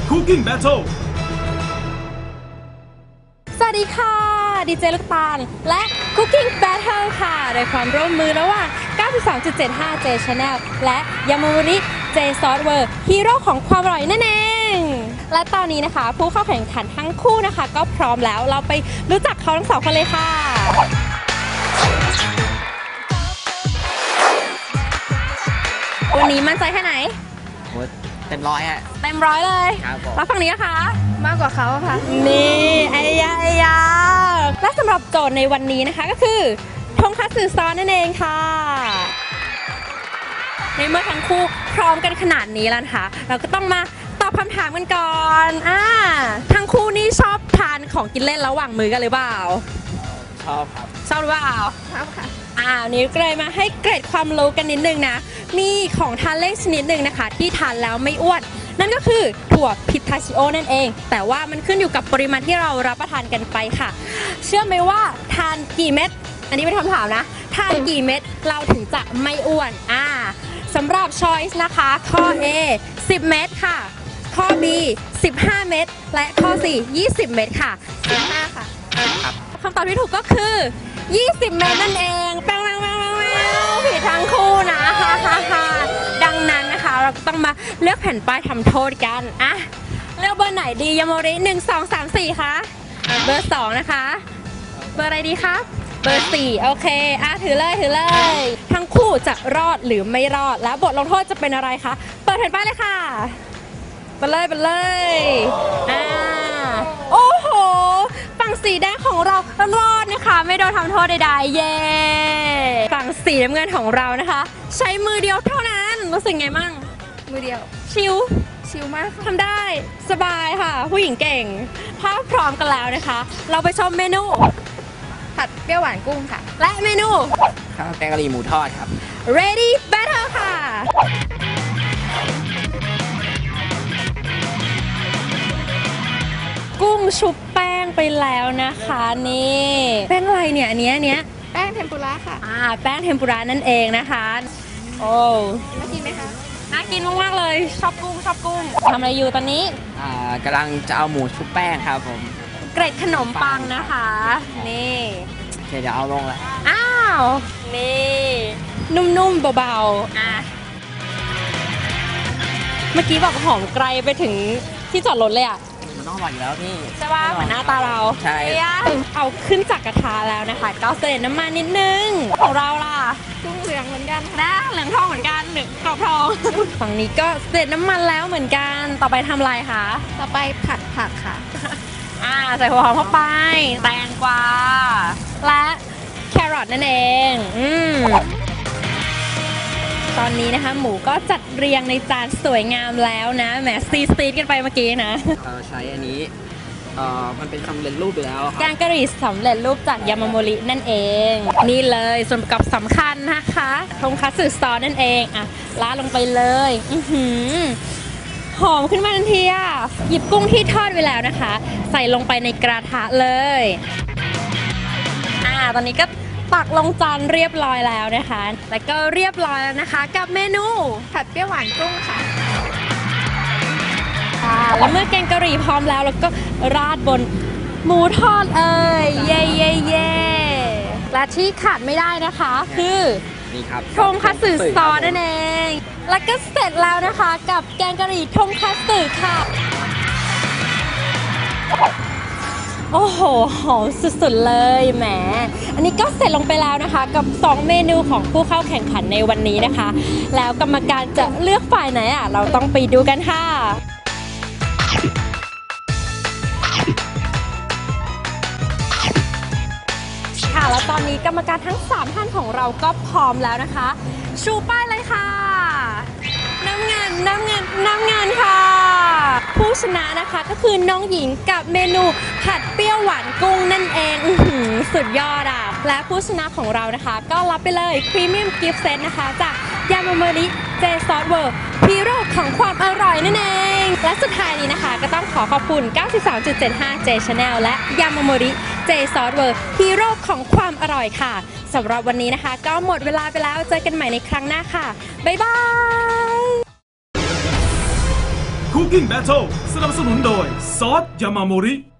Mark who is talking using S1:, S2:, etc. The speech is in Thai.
S1: Cooking Battle
S2: สวัสดีค่ะดีเจลูกตาลและ Cooking Battle ค่ะโดยความร่วมมือระหว่าง 92.75 J Channel และยามามูริ J Software ฮีโร่ของความอร่อยนั่นเองและตอนนี้นะคะผู้เข้าแข่งขันทั้งคู่นะคะก็พร้อมแล้วเราไปรู้จักเขาทั้งสองคนเลยค่ะวันนี้มั่นใจแค่ไหน
S3: เต็มร้อยฮะ
S2: เต็มร้อยเลย
S3: ครับผม
S2: แล้วฝั่งนี้นะคะ
S4: มากกว่าเขาค่ะ
S2: นี่ไอ้ยาและสำหรับโจทย์ในวันนี้นะคะก็คือทงคัตสึซอสนั่นเองค่ะในเมื่อทั้งคู่พร้อมกันขนาดนี้แล้วนะคะเราก็ต้องมาตอบคำถามกันก่อนทั้งคู่นี่ชอบทานของกินเล่นระหว่างมื้อกันหรือเปล่า
S3: ชอบครับ
S2: ชอบหรือเปล่า
S4: ชอบค่ะ
S2: นี้ก็เลยมาให้เกร็ดความรู้กันนิดนึงนะมีของทานเล่นชนิดหนึ่งนะคะที่ทานแล้วไม่อ้วนนั่นก็คือถั่วพิทาชิโอนั่นเองแต่ว่ามันขึ้นอยู่กับปริมาณที่เรารับประทานกันไปค่ะเชื่อไหมว่าทานกี่เม็ดอันนี้เป็นคำถามนะทานกี่เม็ดเราถึงจะไม่อ้วนสำหรับ choice นะคะข้อ A 10 เม็ดค่ะข้อ B 15 เม็ดและข้อ C 20 เม็ดค่ะ
S4: 15ค่ะ
S2: คำตอบที่ถูกก็คือ20 เม็ดนั่นเองแป้งผิดทั้งคู่นะดังนั้นนะคะเราก็ต้องมาเลือกแผ่นป้ายทำโทษกันเลือกเบอร์ไหนดียาโมริ1 2 3 4คะเบอร์2นะคะเบอร์อะไรดีครับเบอร์4โอเคถือเลยทั้งคู่จะรอดหรือไม่รอดแล้วบทลงโทษจะเป็นอะไรคะเปิดแผ่นป้ายเลยค่ะไปเลยโอ้โหฝั่งสีแดงของเรารอดนะคะไม่โดนทำโทษใดๆเย้ฝั่งสีน้ำเงินของเรานะคะใช้มือเดียวเท่านั้นรู้สึกไงมั่ง
S4: มือเดียว
S2: ชิลมากทำได้สบายค่ะผู้หญิงเก่งถ้าพร้อมกันแล้วนะคะเราไปชมเมนู
S4: ผัดเปรี้ยวหวานกุ้งค่ะ
S2: และเมนู
S3: ข้าวแกงกะหรี่หมูทอดครับ
S2: Ready Battle ค่ะกุ้งชุบแป้งไปแล้วนะคะนี่แป้งอะไรเนี่ยอันเนี้ย
S4: แป้งเทมปุระค่ะ
S2: แป้งเทมปุระนั่นเองนะคะโอ้
S4: น่ากินไหมคะ
S2: น่ากินมากๆเลยชอบกุ้งทำอะไรอยู่ตอนนี้
S3: กำลังจะเอาหมูชุบแป้งครับผม
S2: เกร็ดขนมปังนะคะนี่
S3: เดี๋ยวเอาลงแล้ว
S2: นี่นุ่มๆเบาๆเมื่อกี้บอกหอมไกลไปถึงที่จอดรถเลย
S3: มันต้องอร่อยอยู่แล้วพี่
S2: ใช่ป่ะเหมือนหน้าตาเรา
S3: ใช่
S2: เอาขึ้นจากกระทะแล้วนะคะก็เสด็จน้ำมันนิดนึงของเราล่ะ
S4: กุ้งเหลืองเหมือนกัน
S2: เหลืองทองเหมือนกันเหลืองกรอบทองฝั่งนี้ก็เสด็จน้ำมันแล้วเหมือนกันต่อไปทำอะไรคะ
S4: ต่อไปผัดผักค่ะ
S2: ใส่หัวหอมเข้าไปแตงกวาและแครอทนั่นเองตอนนี้นะคะหมูก็จัดเรียงในจานสวยงามแล้วนะแหมซีดกันไปเมื่อกี้นะ
S3: ใช้อันนี้มันเป็นสำเร็จรูปอยู่แล้ว
S2: แกงกะหรี่สำเร็จรูปจากยามาโมรินั่นเองนี่เลยส่วนประกอบสำคัญนะคะทงคัตสึซอสนั่นเองราดลงไปเลยหอมขึ้นมาทันทีหยิบกุ้งที่ทอดไว้แล้วนะคะใส่ลงไปในกระทะเลยตอนนี้ก็ตักลงจานเรียบร้อยแล้วนะคะแล้วก็เรียบร้อยแล้วนะคะกับเมนู
S4: ผัดเปรี้ยวหวานกุ้งค่ะ
S2: แล้วเมื่อแกงกะหรี่พร้อมแล้วก็ราดบนหมูทอดเย่และที่ขาดไม่ได้นะคะคือ
S3: นี่ครับ
S2: ทงคัตสึซอสนั่นเองแล้วก็เสร็จแล้วนะคะกับแกงกะหรี่ทงคัตสึค่ะโอ้โหหอมสุดๆเลยแหมอันนี้ก็เสร็จลงไปแล้วนะคะกับ2เมนูของผู้เข้าแข่งขันในวันนี้นะคะแล้วกรรมการจะเลือกฝ่ายไหนเราต้องไปดูกันค่ะแล้วตอนนี้กรรมการทั้ง3ท่านของเราก็พร้อมแล้วนะคะชูป้ายเลยค่ะน้ำเงินค่ะผู้ชนะนะคะก็คือน้องหญิงกับเมนูผัดเปรี้ยวหวานกุ้งนั่นเองสุดยอดและผู้ชนะของเรานะคะก็รับไปเลยพรีเมียมกิฟต์เซตนะคะจากยามาโมริเจซอสเวิร์ฮีโร่ของความอร่อยนั่นเองและสุดท้ายนี้นะคะก็ต้องขอบคุณ 93.75 J Channel และยามาโมริเจซอสเวิร์ฮีโร่ของความอร่อยค่ะสำหรับวันนี้นะคะก็หมดเวลาไปแล้วเจอกันใหม่ในครั้งหน้าค่ะบ๊ายบาย
S1: Cooking Battle สนับสนุนโดยซอสยามาโมริ